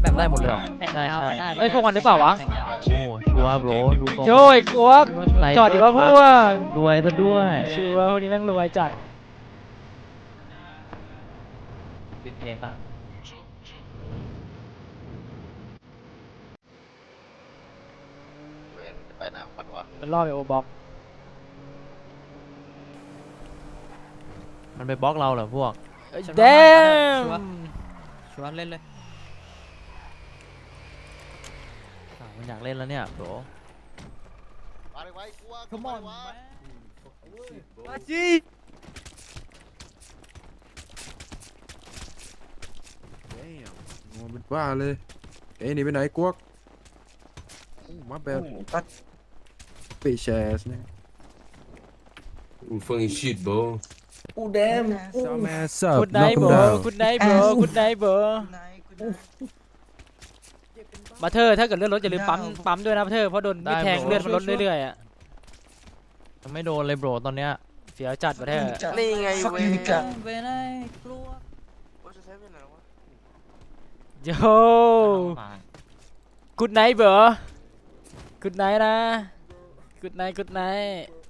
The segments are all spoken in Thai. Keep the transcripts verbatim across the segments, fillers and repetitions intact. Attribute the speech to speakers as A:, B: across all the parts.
A: แบบ
B: ได้หมดเลยเหรอ
A: ได้ใช่
B: เอ้ยพวกมันหรือเปล่าวะโอ้ชัวร์โบรดูก่อน
A: โจ้ยกวกจอดดีว่าพวก
B: รวยซะด้วย
A: ชัวร์พวกนี้แม่งรวยจัด
B: ปิดเพลงป่ะ
C: ไปหนาปัดวะ
A: มันล่อไปโอบ็อก
B: มันไปบล็อกเราเหรอพวก
A: เดม
D: ชวนเล่นเลย
B: อ้าวมันอยากเล่นแล้วเนี่ยโบร
C: มาเลยไว้กลัว
D: Come on
C: วะ
D: มาจี
E: โอ้เป็นบ้าเลยเอ้ยหนี่ไปไหนกวกโอ้มาแบบตัดเปแชสเนี่ย
F: I'm fucking shit, bro.
E: ซาแมสซับ
A: คุณไน
E: น็อก
A: ท์
E: คั
A: เบ
E: ม
A: อ
E: ดาว
A: ร์คุณไนท์เบอร์คุณไนท์เบอร์มาเธอถ้าเกิดเลือดลดอย่าลืมปั๊มปั๊มด้วยนะเธอเพราะโดนไม่แทงเลือดมันลดเรื่อยๆอ่ะ
B: ยังไม่โดนเลยโบรตอนเนี้ย
A: เสียวจัดมาเธอ
C: นี่ไงเว้ย
D: เวนไอ้กลัว
C: ว่าจะใช้เป็นอะไรวะ
A: โย่คุณไนท์เบอร์คุณไนท์นะคุณไนท์คุณไนท์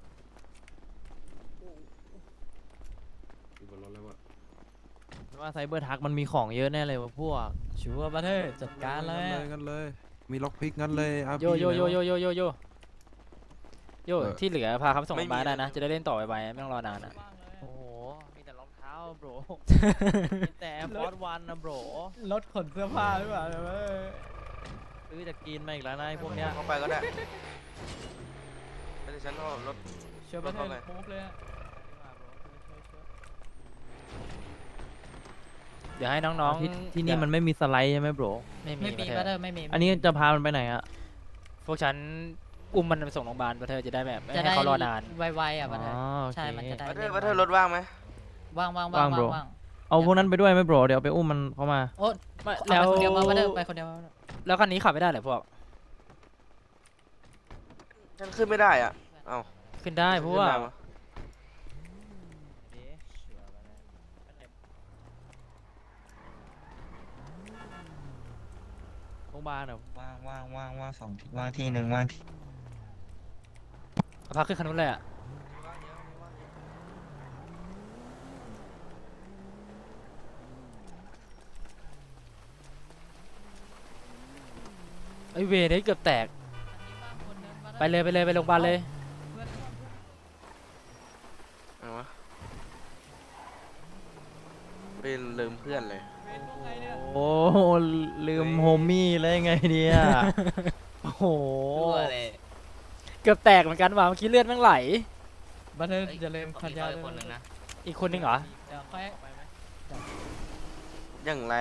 B: ว่าไซเบอร์ทักมันมีของเยอะแน่เลยว่ะพวก
D: ชัวร์มาเถอะจัดการเลย
E: งั้นเลย มีล็อกพิกงั้นเลยอาร์
A: โย
E: พี
A: โยโยโยโยโยโยโย
E: เออ
A: ที่เหลือพาเขาไปส่งโรงพยาบาลได้นะจะได้เล่นต่อไปๆไม่ต้องรอนานนะ
B: โอ้โหมีแต่รองเท้าโบรมีแต่ฟอร์ดวันนะโบร
D: รถขนเสื้อผ้าหรือเปล่า
B: ซื้อจากกินมาอีกแล้วนะไอ้พวกเนี้ย
C: เข้าไปก็ได้ไม่ได้ฉันก็รถ
D: เชื่อมาเถอะโป๊กเลย
A: เดี๋ยวให้น้อง
B: ที่
A: ๆ
B: ที่นี่มันไม่มีสไลด์ใช่ไหมโบร
A: ไม่มี
D: ไม่มี
A: มา
D: มา
A: เธ
D: เถ
A: อ
D: อะไม่มี
B: อันนี้จะพามันไปไหนอะ
A: พวกฉันอุ้มมันไปส่งโรงพยาบาลมาเธอจะได้แบบไม่
D: จะ
A: ให้
D: ได้
A: เขารอนาน
D: ไวๆอ่ะมาเถ
B: อ๋
D: อะ
B: อโอ
D: ใช่
B: เค
D: มันจะได้
C: มาเธอมาเธอรถว่างไหม
D: ว่างว่างว่าง
B: ว่าง bro
D: ว่าง
B: เอาพวกนั้นไปด้วยไหมโบรเดี๋ยวไปอุ้มมันเข้ามา
D: โอ้
A: ไม่
D: แล้
A: แล้ว ว
D: คนเดียวมาเถอะไปคนเดียวมา
A: แล้วคันนี้ขับไม่ได้เหรอพวก
C: ฉันขึ้นไม่ได้อ่ะเอ้า
A: ขึ้นได้เพราะว่า
C: ขึ้นม
B: โรงพยาบาลเหรอ
G: ว่างว่างว่างว่างสองที่ว่างที่หนึ่งว่างที่
A: เอาพาขึ้นคันนู้นเลยอ่ะไอเวรนี่เกือบแตกไปเลยไปเลยไปโรงพยาบาลเลย
C: เอาวะเป็นลืมเพื่อนเลย
B: โอ้โหลืมโฮมี่เลยไงเนี่ย โอ้โห
A: เกือบแตกเหมือนกันว่ะเมื่อกี้เลือดแม่งไหล
D: มาเถอะอย่าลืมขันยาวคนหนึ่งนะ
A: อีกคนนึงเหรอ
D: เดี๋ยวค่อย
C: อย่างแรง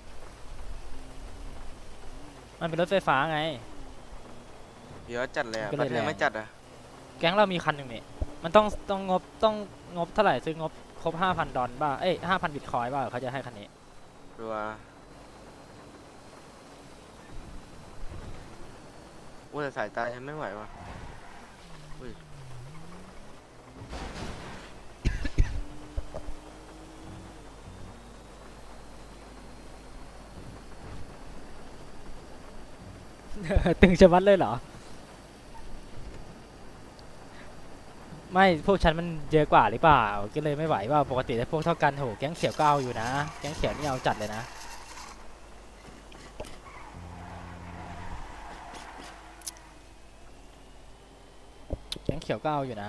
A: มันเป็นรถไฟฟ้าไง
C: เดี๋ยวจัดเลยอะ
A: ก็
C: ป
A: เลย
C: ระเทศ
A: แรง
C: ไม่จัดอ่ะ
A: แก๊งเรามีคันหนึ่งนี่มันต้องต้องงบต้องงบเท่าไหร่ซื้องบครบห้าพันดอลบ้าเอ้ยห้าพันบิตคอยบ้าเขาจะให้คันนี้
C: ดูว่าโอ้แต่สายตาฉันไม่ไหวว่ะอุ้ย
A: ตึงชะมัดเลยเหรอ ไม่พวกฉันมันเยอะกว่าหรือเปล่าก็เลยไม่ไหวว่าปกติถ้าพวกเท่ากันโหแก๊งเขียวก็เอาอยู่นะแก๊งเขียวนี่เอาจัดเลยนะแก๊งเขียวก็เอาอยู่นะ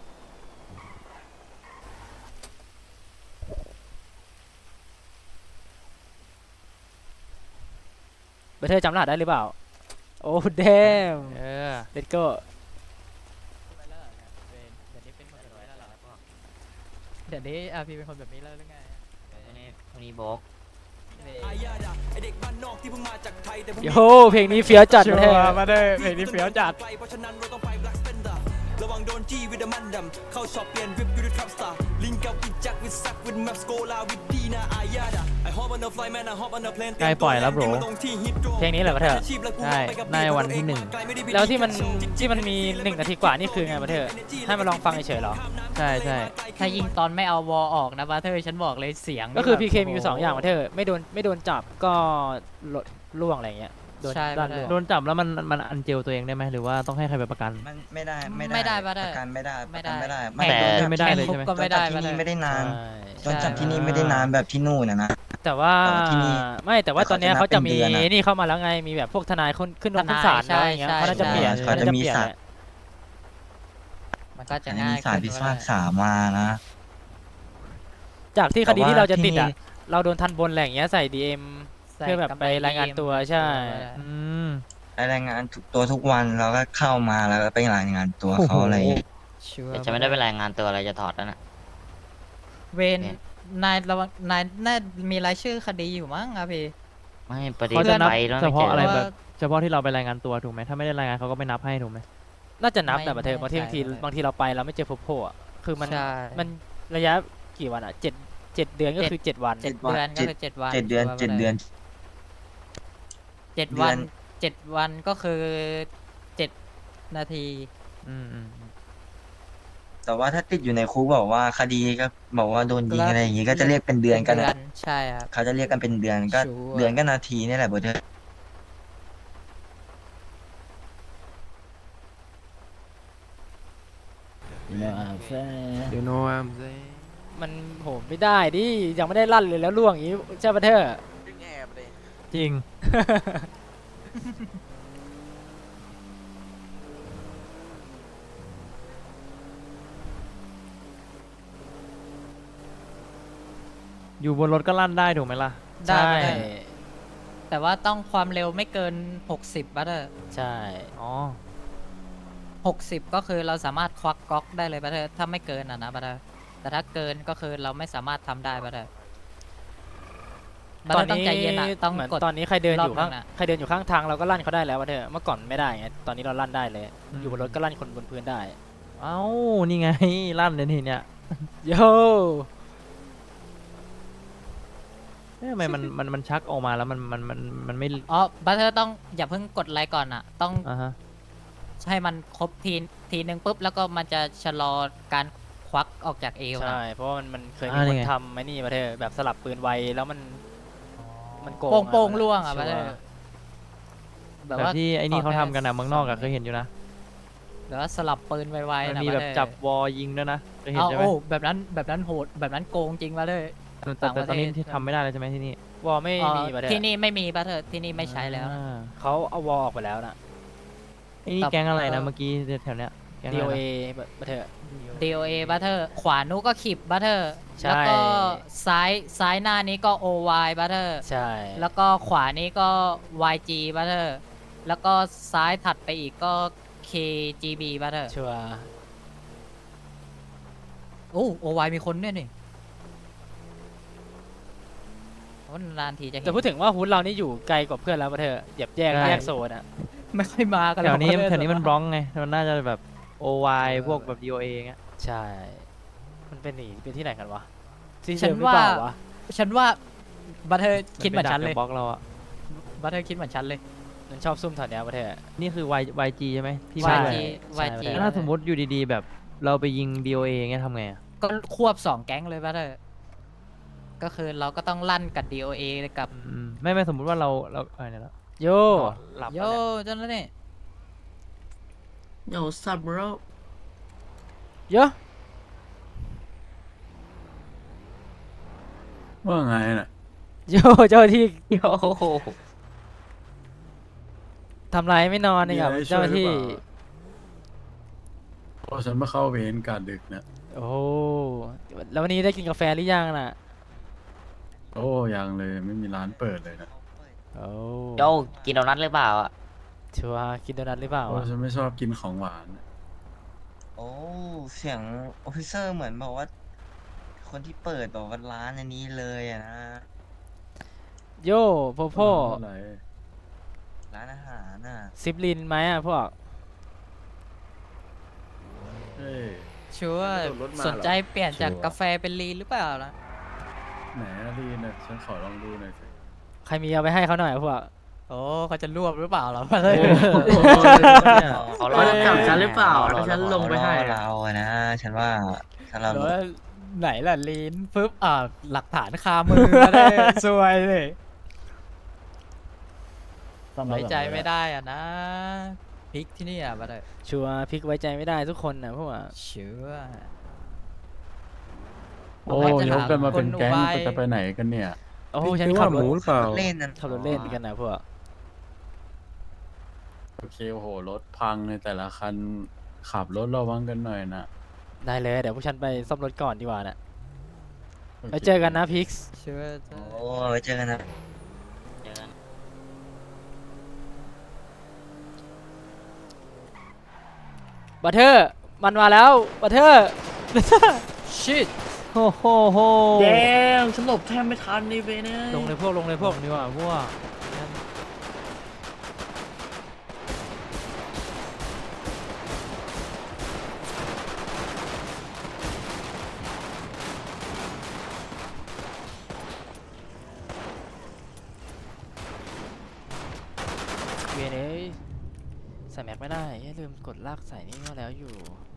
A: เบอร์เธอจำรหัสได้หรือเปล่าโอ้เดม
B: เออ
A: เลตโก้
D: เดี๋ยวนี้อาพีเป็นคนแบบนี้แล้วหรือไง
B: คนนี้บอก
A: โยเพลงนี้เฟี้ยวจัด
D: ชัว
A: เลย
D: ร์มาเถอะเพลงนี้เฟี้ยวจัด
H: ระวังโดนจี้วิดามันดำเข้าช็อปเปลี่ยนวิปยูดิทรัพสตาร์ลิงกับวิจักวิซักวิดแมปสโกลาวิดดีนาอายาดาไอฮอปอันเดอร์ไฟแมนไอฮอปอันเดอร์เพลน
B: ใกล้ปล่อยแล้วโบร
A: เพลงนี้เหรอเบอร์เธอ
B: ใช่ในวันที่หนึ่ง
A: แล้วที่มันที่มันมีหนึ่งนาทีกว่านี่คือไงเบอร์เธอให้มาลองฟังเฉยๆเหรอ
B: ใช่ใช่
D: ถ้ายิงตอนไม่เอาวอออกนะมาเถอะฉันบอกเลยเสียง
A: ก็คือ พี เค
D: แบบ
A: มีอยู่สองอย่างเบอร์เธอไม่โดนไม่โดนจับก็ลดล่วงอะไรเงี้ยโดน
D: ใช่
A: ลั่น
D: ไม่ได้
A: ล่วง
B: โดนจับแล้วมันมันอันเจลตัวเองได้ไหมหรือว่าต้องให้ใครไปประกัน
G: มันไม่ได้
D: ไม่
G: ไม่
D: ได้
G: ได้
D: ปะเด้อ
G: ประกันไม่ได้ป
D: ไม่
G: ระกัน
D: ได้
G: ไม่ได้
B: แต่
G: โดนจับ
B: ไม่ได้เลยใช่ไหม
D: ก็ไม่ได้
G: โดนจับที่นี่ไม่ได้นาน
A: ใช่
G: โดนจับที่นี่ไม่ได้นานแบบที่นู่นนะนะ
A: แต่ว่า
G: แต่ว่าที่นี่
A: ไม่แต่ว่า
G: แต่
A: ตอนเนี้ย
G: เขา
A: เขา
G: จะ
A: จะ
G: นับเป็น
A: มี
G: เดือนอะ
A: นี่เข้ามาแล้วไงมีแบบพวกทนายขึ้นขึ้นลงขึ้นศาล
D: ทนาย
A: อะไรเงี้ย
D: ใช่
A: เขาน่าจะ
D: ใช่
A: เปลี่ยน
G: เขาจะมี
A: เปลี่ยน
G: ศาล
A: แหละ
D: มันก็จะ
G: อันนี้
D: ง่าย
G: มีศาลพิ
D: ขึ้น
G: พากษามานะ
A: จากที่คดี
G: แต่ว่า
A: ที่เราจะติด
G: ที่
A: อ่ะ
G: นี่
A: เราโดนทันบนอะไรอย่างเงี้ยใส่ดีเอ็ม
D: ใส่
A: เพื่อแบบ
D: กำ
A: ไปรายงานตัวใช่
B: อืม
G: รายงานทุกตัวทุกวันเราก็เข้ามาแล้วก็ไปรายงานตัวเขาอะไรอย่างเงี้ย
D: ชัวร์
I: แต่จะไม่ได้เป็นรายงานตัวอะไรจะถอดแล้วนะ
D: เวนนายระวังนายน่ามีรายชื่อคดีอยู่มั้งอะพี่
I: ไม่ประเด็น
B: เขาจะนับ
I: ไปแล้ว
B: เฉ
I: ไม่เจ
B: พาะ
I: อ
B: อะไร
I: อ
B: แบบเฉพาะที่เราไปรายงานตัวถูกไหมถ้าไม่ได้รายงานเขาก็ไม่นับให้ถูกไหม
A: น่าจะนับ
D: ไม่
A: แต่ประเทศ
D: ไม่
A: บางทีบางที
D: ใช่
A: บางทีเราไปเราไม่เจอพบโพอ่ะคือมัน
D: ใช่
A: มันระยะกี่วันอ่ะเจ็ดเจ็ดเดือนก็คือเจ็ดวัน
D: เจ็ดเดือนก็คือเจ็ดวัน
G: เจ็ดเดือน
D: ชัวร์
G: เจ็ดเดือน
D: เจ็ด
G: เดื
D: วั
G: อน น
D: เจ็ดวันก็คือเจ็ดนาที
B: อืมอืมอืม
G: แต่ว่าถ้าติดอยู่ในคุกบอกว่าคดีก็บอกว่าโดนยิงอะไรอย่างงี้ก็จะเรียกเป็นเดือนกัน
D: เดื
G: นะ
D: อนใช่ครับ
G: เขาจะเรียกกันเป็นเดือนก็
D: ชัวร์
G: เดือนก็นาทีนี่แหละโบเธอ
E: You know what I'm saying
A: มันโหไม่ได้ดิยังไม่ได้ลั่นเลยแล้วล่วงอย่างนี้ใช่ปะเธอ
B: จริง อยู่บนรถก็ลั่นได้ถูกไหมล่ะ
D: ได้
A: ใช่
D: ได้ แต่ว่าต้องความเร็วไม่เกินหกสิบบัตเตอร์
A: ใช่
B: อ๋อ
D: หกสิบก็คือเราสามารถควักก๊อกได้เลยบัตเตอร์ถ้าไม่เกินอ่ะนะบัตเตอร์แต่ถ้าเกินก็คือเราไม่สามารถทำได้บัตเตอร์บัต
A: ต
D: เต
A: อ
D: อน ร์ต้อง
A: นี้
D: ใจเย็นอ่ะต้อง
A: เหมือน
D: กด
A: ตอนนี้ใครเดินอยู่ข้าง
D: รอบหนึ่งอะ
A: ใครเดินอยู่ข้างทางเราก็ลั่นเขาได้แล้ววะเธอเมื่อก่อนไม่ได้ไงตอนนี้เราลั่นได้เลย
B: อืม
A: อยู่บนรถก็ลั่นคนบนพื้นได้
B: เอ้านี่ไง ลั่นเลยทีเนี้ย
A: โย
B: เอ๊ะทำไมมันมันมันชักออกมาแล้วมันมันมันมันไม่
D: อ๋อบัตเตอร์ต้องอย่าเพิ่งกดไลค์ก่อนอ่ะ ต้อง
B: อ่าฮะ
D: ให้มันครบทีทีหนึ่งปุ๊บแล้วก็มันจะชะลอการควักออกจากเอวนะ
A: ใช่เพราะว่ามันมันเคยมี
B: อ่า
A: ค
B: นี่
A: น
B: ไง
A: ทำไอ้นี่มาเธอแบบสลับปืนไวแล้วมันมันโกง
D: โป่ง
A: อะ
D: โป่ง
A: มัน
D: ล่วงอ่ะ
A: ชั
D: บัตเตอร์
B: แบบที่ไอ้นี่เขาทำกันนะเมืองนอกอะเคยเห็นอยู่นะ
D: แบบว่าสลับปืนไว
B: มัน
D: ๆนะ
B: มีแบบ
D: บัตเตอร์
B: จับวอยิงด้วยนะเคยเห็น
D: เอา
B: ใช่ไหม
D: โอ้แบบนั้นแบบนั้นโหดแบบนั้นโกงจริงบัตเตอร์
B: แต่แต่ตอนนี้
D: ต่างประเทศ
B: ที่ทำไม่ได้แล้วใช่ไหมที่นี่
A: วอลไม่
D: อ๋อ
A: มีมาเธอ
D: ที่นี่ไม่มีบัตเตอร์ที่นี่ไม่ใช้แล้วนะ
B: อ่า
A: เขาเอาวอลออกไปแล้วนะ
B: ไอ้นี่
D: ต่อ
B: แก๊งอะไร
D: เอ่
B: นะ
D: อ
B: เมื่อกี้แถวเนี้ยแก๊ง
A: ดี
B: อะ
A: โอ
B: ไร
A: เอ
B: นะ
A: มาเธอ
D: ดี โอ เอ บัตเตอร์ขวานู้นก็ขีบบัตเตอร์
A: ใช่
D: แล้วก็ซ้ายซ้ายหน้านี้ก็ โอ วาย บัตเตอร์
A: ใช่
D: แล้วก็ขวานี้ก็ วาย จี บัตเตอร์แล้วก็ซ้ายถัดไปอีกก็ เค จี บี บัตเตอร์
A: ชัวร์
D: โอ้ โอ วาย มีคนด้วยนี่โอ้นานทีจะเห็น
A: แต่พูดถึงว่าฮูดเรานี่อยู่ไกลกว่าเพื่อนแล้วมาเธอเหยียบแยก
B: ใช่
A: แยกโซนอ่ะ
D: ไม่ค่อยมากัน
B: แถวนี้
D: หรอก
B: แถวนี้มันบล็อกไงมันน่าจะแบบ โอ วาย
A: เออ
B: พวกแบบ ดี โอ เอ เงี้ย
A: ใช่ มันเป็นหนีเป็นที่ไหนกันวะที่
D: ฉั
A: เดิ
D: น
A: มหรือเปล่าวะ
D: ฉันว่าบัตเตอร์คิดเหมือนฉันเลย
B: บล็อกเราอะ
D: บัตเตอร์คิดเหมือนฉันเลย
A: มันชอบซุ่มแถวเนี้ยมาเธอ
B: นี่คือ Y YG ใช่ไหมที่
D: วาย
B: มา
D: จี
B: ด้วย
D: วายจี
A: ใช่
B: แล้วถ้าสมมติอยู่ดีๆ แบบเราไปยิง ดี โอ เอ เงี้ยทำไงอะ
D: ก็ควบสองแก๊งเลยบัตเตอร์ก็คือเราก็ต้องลั่นกับ ดี โอ เอ กับ
B: อืมไม่ไม่สมมติว่าเราเราเออเนี่ยแล้ว
A: โย
B: หลับ
D: โย
B: แล้วเนี่ย
D: จนแล้วนี่
I: Yo what's up bro
A: โย
E: ว่าไงน่ะ
A: โยเจ้าที่
I: โย
A: ทำไรไม่นอนเนี่ยครับเจ้าที่
E: เพราะฉันมาเข้าเวรการดึกนะ
A: โอ้แล้ววันนี้ได้กินกาแฟหรือยังน่ะ
E: โอ้ยังเลยไม่มีร้านเปิดเลยนะ
A: โอ้
I: โยกินโดนัทหรือเปล่าอ่ะ
A: ชัวร์กินโดนัทหรือเปล่า
E: เพราะ
A: วะ
E: ฉันไม่ชอบกินของหวานน่ะ
G: โอ้เสียงออฟฟิเซอร์เหมือนบอกว่า คนที่เปิดบอกว่าร้านอันนี้เลยอะนะ
A: โยโพโพ
E: เท่าไหร่
G: ร้านอาหารน่ะ
A: ซิปลินไหมอ่ะพวก
E: เฮ้ย
D: ชัวร์
E: โดนรถมาเหรอ
D: สนใจเปลี่ยนจาก
E: ชัวร์
D: กาแฟเป็นลีนหรือเปล่าล่ะ
E: ไหนอะลีนน่ะฉันขอลองดูหน่อยสิ
A: ใครมีเอาไปให้เขาหน่อยพวก
D: โอ้เขาจะรวบหรือเปล่าล่ะ
B: โอ้โหเนี่ย
I: เขารอจับฉันหรือเปล่าถ้าฉันลงไปให้
G: รอเราอะนะฉันว่าถ้าเรา
D: แล้วไหนล่ะลีนปึ๊บอ่าหลักฐานคามือมาได้ สวยเลยไว้ใจไม่ได้อ่ะนะพริกที่นี่อ่ะบัตเตอร์
A: ชัวร์พลิกไว้ใจไม่ได้ทุกคนนะพวกอะ
D: เชื่อ
J: โอ้ยกกันมาเป็นแก๊งจะไปไหนกันเนี่ย
A: โอ้
E: พี่
A: ฉัน
E: คิด
A: ขั
E: ว่า
A: บ
E: ห
A: ร
E: มู
A: ถ
E: หรือเปล่า
G: เล่นนั่น
A: ขับรถเล่นกันนะพวก
J: โอเคโอ้โหรถพังในแต่ละคันขับรถระวังกันหน่อยนะ
A: ได้เลยเดี๋ยวพวกฉันไปซ่อมรถก่อนดีกว่านะ
J: โค
A: ไปเจอกันนะพิกซ์
D: เชื่อเจอ
G: โอ้ไว้เจอกันนะ
I: เจอกัน
A: บัตเทอร์มันมาแล้วบัตเทอร์
D: ชิด
B: โอ้โหโห
I: แดงฉันหลบแทบไม่ทันนี่เว้ยเนี่ย
A: ลงเลยพวกลงเลยพวก
B: ดีกว่าพวก
A: เวยนเอ้ยใส่แม็กไม่ได้อย่าลืมกดลากใส่นี่มาแล้วอยู่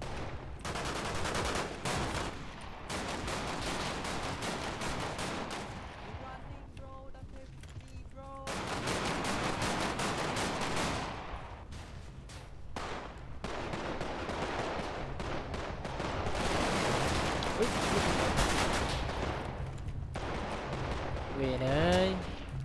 A: เวยนเอ้ย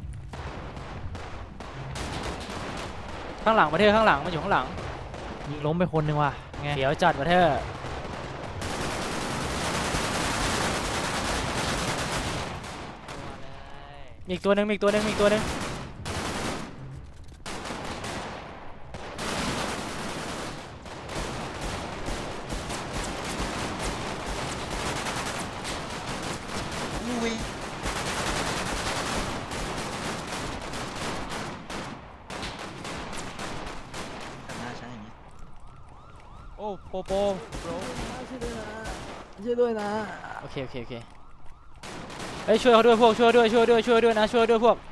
A: ข้างหลังบัตเทอร์ข้างหลังมันอยู่ข้างหลัง
B: ยิงล้มไปคนหนึ่งว่ะไง
A: เดี๋ยวจัดบัตเทอร์มีอีกตัวหนึ่งมีอีกตัวหนึ่งมีอีกตัวหนึ่ง
G: ลุยทำหน้าฉันอย่างนี้
B: โอ้โปโป
A: โอเคโอเคโอเคเฮ้ยช่วยเขาด้วยพวกช่วยด้วยช่วยด้วยช่วยด้วยนะช่วยด้วยพวก